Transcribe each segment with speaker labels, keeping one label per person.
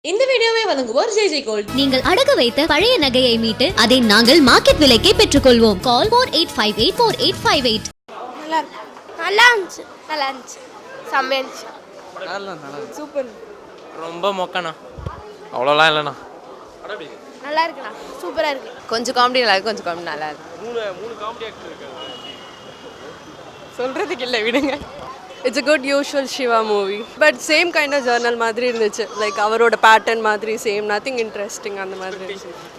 Speaker 1: இந்த வீடியோவை வழங்குவோர் ஜெய் ஜெய் கோல்ட்.
Speaker 2: நீங்கள் அடகு வைத்த பழைய நகையை மீட்டு அதை நாங்கள் மார்க்கெட் விலைக்கே பெற்றுக்கொள்வோம். கால் 48584858.
Speaker 3: நல்லா இருந்துச்சு செம்மையா இருந்துச்சு.
Speaker 4: சூப்பர். ரொம்ப மொக்கண்ணா, அவ்வளோலாம் இல்லைண்ணா.
Speaker 3: நல்லா இருக்குண்ணா, சூப்பராக இருக்கு.
Speaker 5: கொஞ்சம் காமெடி நல்லா இருக்கு, கொஞ்சம் காமெடி நல்லா இருக்கு.
Speaker 4: மூணு காமெடி ஆக்டர் இருக்காங்க.
Speaker 5: சொல்கிறதுக்கு இல்லை, விடுங்க. It's a good usual Shiva movie, but same kind of journal மாதிரி இருந்துச்சு. லைக் அவரோட பேட்டர்ன் மாதிரி சேம், நத்திங் இன்ட்ரெஸ்டிங் அந்த மாதிரி.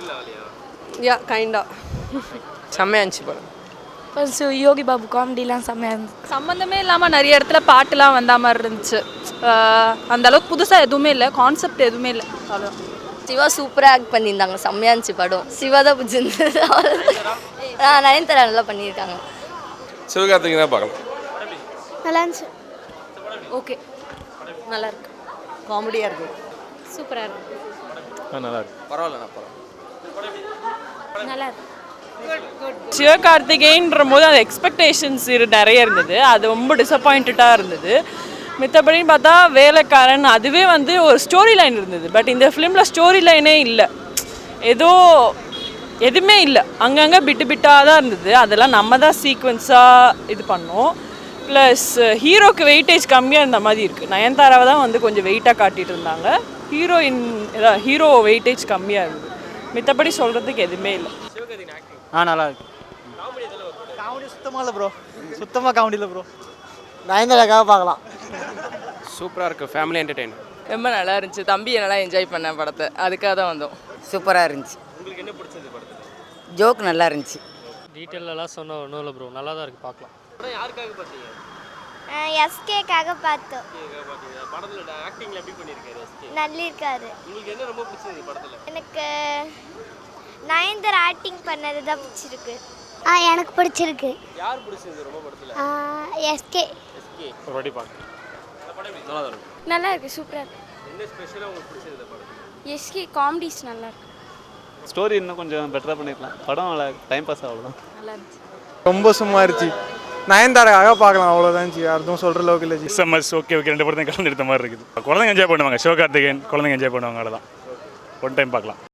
Speaker 5: யா கைண்டா செம்மையா இருந்துச்சு படம்.
Speaker 3: ஃபர்ஸ்ட் யோகி பாபு காமெடிலாம் செம்மையாக இருந்துச்சு.
Speaker 6: சம்மந்தமே இல்லாமல் நிறைய இடத்துல பாட்டுலாம் வந்த மாதிரி இருந்துச்சு. அந்த அளவுக்கு புதுசாக எதுவுமே இல்லை, கான்செப்ட் எதுவுமே இல்லை. அவ்வளோ
Speaker 7: சிவா சூப்பராக ஆக்ட் பண்ணியிருந்தாங்க, செம்மையா இருந்துச்சு படம். சிவா தான் பிடிச்சிருந்தது. நயன்தாரா நல்லா பண்ணியிருக்காங்க.
Speaker 4: சிவகார்த்திகேயன் தான் பார்க்கலாம்.
Speaker 3: நல்லா இருந்துச்சு.
Speaker 6: ஓகே, நல்லா இருக்கு,
Speaker 5: காமெடியாக இருக்கு,
Speaker 6: சூப்பராக இருக்கு,
Speaker 4: நல்லா இருக்கு. பரவாயில்லண்ணா,
Speaker 3: நல்லா இருக்கு.
Speaker 6: சிவகார்த்திகேயன்ற போது அந்த எக்ஸ்பெக்டேஷன்ஸ் நிறைய இருந்தது, அது ரொம்ப டிசப்பாயிண்டடாக இருந்தது. மித்தபடி பார்த்தா வேலைக்காரன் அதுவே வந்து ஒரு ஸ்டோரி லைன் இருந்தது. பட் இந்த ஃபிலிமில் ஸ்டோரி லைனே இல்லை, ஏதோ எதுவுமே இல்லை, அங்கங்கே பிட்டாக தான் இருந்தது. அதெல்லாம் நம்ம தான் சீக்வன்ஸாக இது பண்ணோம். ப்ளஸ் ஹீரோக்கு வெயிட்டேஜ் கம்மியாக இருந்த மாதிரி இருக்குது. நயன்தாராவை தான் வந்து கொஞ்சம் வெயிட்டாக காட்டிகிட்டு இருந்தாங்க. ஹீரோ வெயிட்டேஜ் கம்மியாக இருந்தது. மித்தபடி சொல்கிறதுக்கு எதுவுமே இல்லை.
Speaker 8: நல்லா இருக்கு. காமெடி சுத்தமாக இல்லை ப்ரோ, சுத்தமாக காமெடி இல்லை ப்ரோ. நயன்தாராக்காக பார்க்கலாம்.
Speaker 4: சூப்பராக இருக்குது, ஃபேமிலி என்டர்டெயின்மெண்ட்.
Speaker 5: ரொம்ப நல்லா இருந்துச்சு. தம்பி நல்லா என்ஜாய் பண்ண படத்தை, அதுக்காக தான் வந்தோம். சூப்பராக இருந்துச்சு.
Speaker 4: உங்களுக்கு என்ன பிடிச்சது படத்தில்?
Speaker 5: ஜோக் நல்லா இருந்துச்சு.
Speaker 8: டீட்டெயிலெல்லாம் சொன்ன ஒன்றும் இல்லை ப்ரோ, நல்லா தான் இருக்குது, பார்க்கலாம்.
Speaker 4: படம் யாருக்காக பார்த்தீங்க?
Speaker 3: எஸ்கேக்காக பார்த்தோம்.
Speaker 4: படத்தில் ஆக்டிங்கில் எப்படி பண்ணியிருக்காரு எஸ்கே?
Speaker 3: நல்லா இருக்காரு.
Speaker 4: உங்களுக்கு என்ன ரொம்ப பிடிச்சது படத்தில்?
Speaker 3: எனக்கு நயன்தாரா ஆக்டிங் பண்ணது தான் பிடிச்சிருக்கு. எனக்கு பிடிச்சிருக்கு.
Speaker 4: யார் பிடிச்சது ரொம்ப படத்தில்?
Speaker 3: எஸ்கே.
Speaker 4: எஸ்கே ஒரு வாட்டி பார்க்க. இந்த படம் நல்லா தான் இருக்கும்.
Speaker 3: நல்லா இருக்கு, சூப்பராக இருக்கு.
Speaker 4: என்ன ஸ்பெஷலாக உங்களுக்கு பிடிச்சது இந்த படத்தில்?
Speaker 3: எஸ்கே காமெடிஸ் நல்லா இருக்கு.
Speaker 8: ஸ்டோரி இன்னும் கொஞ்சம் பெட்டராக பண்ணிக்கலாம். படம் நல்லா டைம் பாஸ் அவ்வளோதான்.
Speaker 3: நல்லா இருந்துச்சு.
Speaker 9: ரொம்ப சும்மா இருந்துச்சு. நயன்தாராக்காக பார்க்கலாம், அவ்வளோதான். யாரும் சொல்கிற அளவுக்கு இல்லை.
Speaker 10: எஸ்எம்எஸ் ஓகே ஓகே, ரெண்டு படத்தையும் கலந்து எடுத்த மாதிரி இருக்குது. குழந்தைங்க என்ஜாய் பண்ணுவாங்க, சிவகார்த்திகேயன் குழந்தைங்க என்ஜாய் பண்ணுவாங்க, அவ்வளோதான். ஒன் டைம் பார்க்கலாம்.